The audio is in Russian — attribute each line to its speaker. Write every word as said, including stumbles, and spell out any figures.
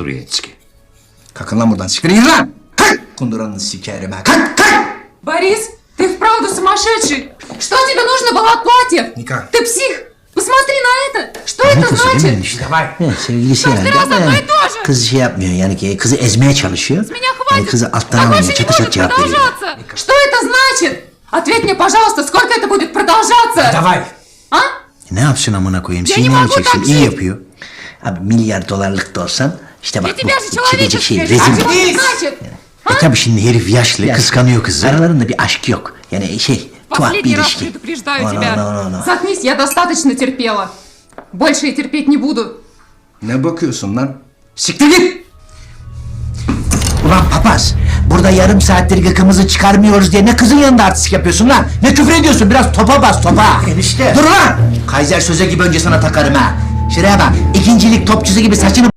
Speaker 1: Турецкий.
Speaker 2: Kalkın lan buradan, siktir gidin lan! Kalk! Kunduranını sikerim ha, kalk, kalk!
Speaker 3: Борис, ты вправду сумасшедший! Что тебе нужно было от платьев?
Speaker 2: Ника.
Speaker 3: Ты псих! Посмотри на это! Что это значит?
Speaker 2: İşte var.
Speaker 4: Evet, sevgilisi
Speaker 3: Каждый
Speaker 4: herhalde
Speaker 3: раз
Speaker 4: ama
Speaker 3: одно и то же!
Speaker 4: kız şey yapmıyor yani ki kızı ezmeye çalışıyor.
Speaker 3: С меня
Speaker 4: Yani
Speaker 3: хватит!
Speaker 4: kızı alttan
Speaker 3: Так
Speaker 4: almıyor,
Speaker 3: больше не
Speaker 4: çatı çat
Speaker 3: может
Speaker 4: cevap veriyor.
Speaker 3: продолжаться! Что это значит? Ответь мне, пожалуйста, сколько это будет продолжаться?
Speaker 2: Davay.
Speaker 3: А?
Speaker 4: Ne yapsın amına koyayım?
Speaker 3: Ya ne
Speaker 4: Sinirleneceksin,
Speaker 3: yapacak
Speaker 4: iyi
Speaker 3: şey?
Speaker 4: yapıyor. Abi milyar dolarlık da olsan işte
Speaker 3: Для
Speaker 4: bak
Speaker 3: тебя же
Speaker 4: bu çekecek şey
Speaker 3: человеческое!
Speaker 4: rezil.
Speaker 3: Что это значит?
Speaker 4: E tabi şimdi herif yaşlı, kıskanıyor kızı. Aralarında bir aşk yok. Yani şey, tuhaf bir
Speaker 3: Последний раз
Speaker 4: ilişki.
Speaker 3: предупреждаю
Speaker 4: No, no,
Speaker 3: тебя.
Speaker 4: no, no, no.
Speaker 3: Заткнись, я достаточно терпела. Больше я терпеть не буду.
Speaker 2: Ne bakıyorsun lan? Siktir git!
Speaker 4: Ulan papaz, burada yarım saattir gıkımızı çıkarmıyoruz diye ne kızın yanında artistik yapıyorsun lan? Ne küfür ediyorsun? Biraz topa bas topa. Enişte. Dur lan! Kaiser söze gibi önce sana takarım ha. Şuraya bak, ikincilik topçusu gibi saçını